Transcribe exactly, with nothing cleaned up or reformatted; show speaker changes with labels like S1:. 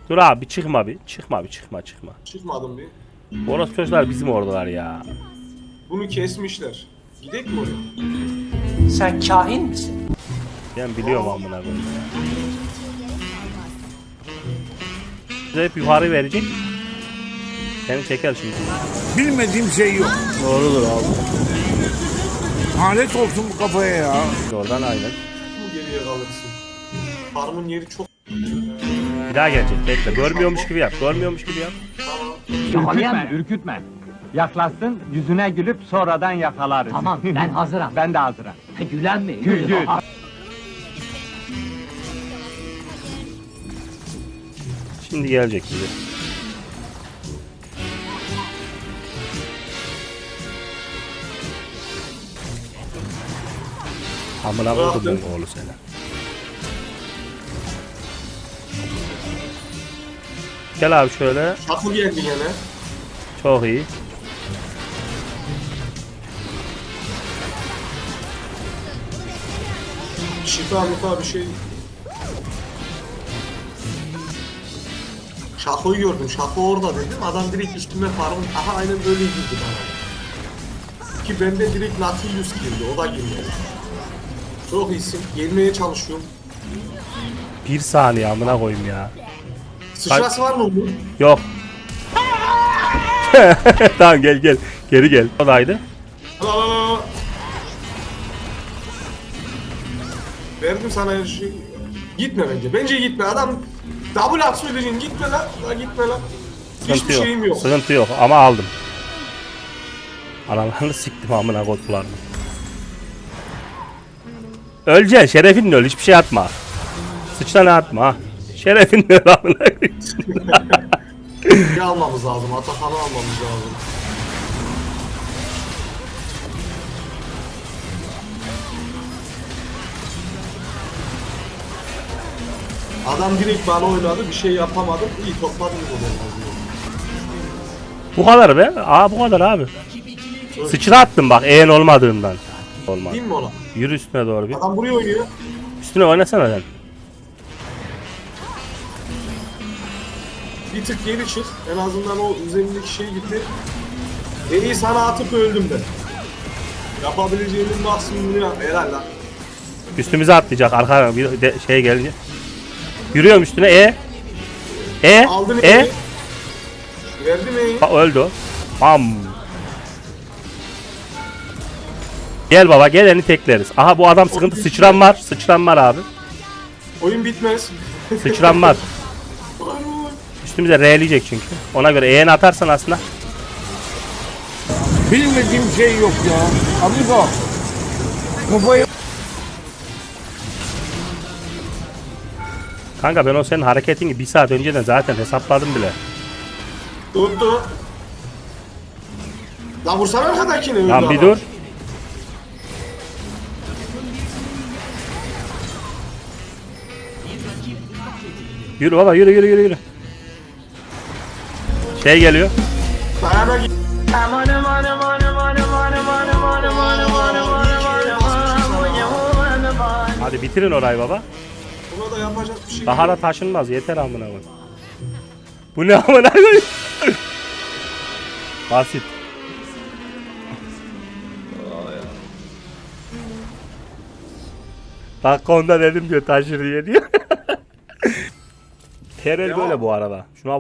S1: Dur abi bir çıkma bir. Çıkma bir çıkma çıkma.
S2: Çıkmadım bir.
S1: Orası çocuklar bizim oradalar ya.
S2: Bunu kesmişler. Gidek mi oraya?
S3: Sen kahin misin?
S1: Ben biliyorum amına koyayım ya. Bize hep yukarı verecek. Seni çeker şimdi.
S4: Bilmediğim şey yok.
S1: Doğrudur abi.
S4: Lanet olsun bu kafaya ya.
S1: Oradan aynen.
S2: Bu geriye kalırsın. Farmın yeri çok...
S1: Bir daha gelecek. Bekle. Görmüyormuş gibi yap. Görmüyormuş gibi yap.
S5: Ürkütme, ürkütme. Yaklaşsın, yüzüne gülüp sonradan yakalarız.
S3: Tamam, ben hazırım.
S5: Ben de hazırım.
S3: Gülen mi?
S5: Gül, gül.
S1: Şimdi gelecek bize. Amına koydum bu oğlu seni. Gel abi şöyle.
S2: Şakıl geldi gene.
S1: Çok iyi.
S2: Şifa mifa bir şey. Şako'yu gördüm. Şako orada dedim. Adam direkt üstüme farmın. Aha aynen böyle girdi bana. Ki bende direkt Nautilus girdi. O da girmedi. Çok iyisin. Gelmeye çalışıyorum.
S1: Bir saniye amına koyayım ya.
S2: Sıçrası var mı bunun?
S1: Yok. Tamam gel gel. Geri gel. Odaydı.
S2: Al al al al. Verdim sana her şeyi. Gitme bence. Bence gitme. Adam double at söyleyeceksin. Gitme lan. La gitme lan.
S1: Sıkıntı
S2: Hiçbir
S1: yok.
S2: şeyim yok.
S1: Sıkıntı yok ama aldım. Analarını siktim amına kodlarını. Öleceksin. Şerefinle öl. Hiçbir şey atma. Sıçrana atma. Şerefinle öl amına koyayım.
S2: Bir almamız lazım. Atakan'ı almamız lazım. Adam direkt bana oynadı. Bir şey yapamadım. İyi topladım o zaman.
S1: Bu kadar be. Aa bu kadar abi. Sıçra attım bak eğen olmadığından. Olmaz.
S2: Değil mi ona?
S1: Yürü üstüne doğru bir.
S2: Adam buraya oynuyor.
S1: Üstüne oynasana sen.
S2: Bir tık geri çık. En azından o üzerindeki şey gitti. En iyi sana atıp öldüm de. Yapabileceğimin maksimumunu yap. Helal lan.
S1: Üstümüze atlayacak arka bir de şey gelince. Yürüyorum üstüne e. E.
S2: Aldın
S1: E.
S2: evi. Verdim evi.
S1: Bak öldü o. Bam. Gel baba gel elini tekleriz. Aha bu adam sıkıntı sıçran var. Sıçran var abi.
S2: Oyun bitmez.
S1: Sıçran var. Üstümüze R'leyecek çünkü. Ona göre eğen atarsan aslında.
S4: Bilmediğim şey yok ya. Amigo. Kafayı...
S1: Kanka ben o senin hareketini bir saat önceden zaten hesapladım bile.
S2: Tuttu. Lan vursana arkadakini. öldü
S1: Lan bir
S2: adam.
S1: dur. Yürü baba yürü yürü yürü yürü. Şey geliyor.
S2: Dayana git.
S1: Hadi bitirin orayı baba.
S2: Buna da yapacak bir şey
S1: Daha
S2: yok.
S1: da taşınmaz yeter amına koy. Bu ne amına koy? Basit. Dakika onda dedim diyor taşır diye diyor. Terel böyle bu arada. Şuna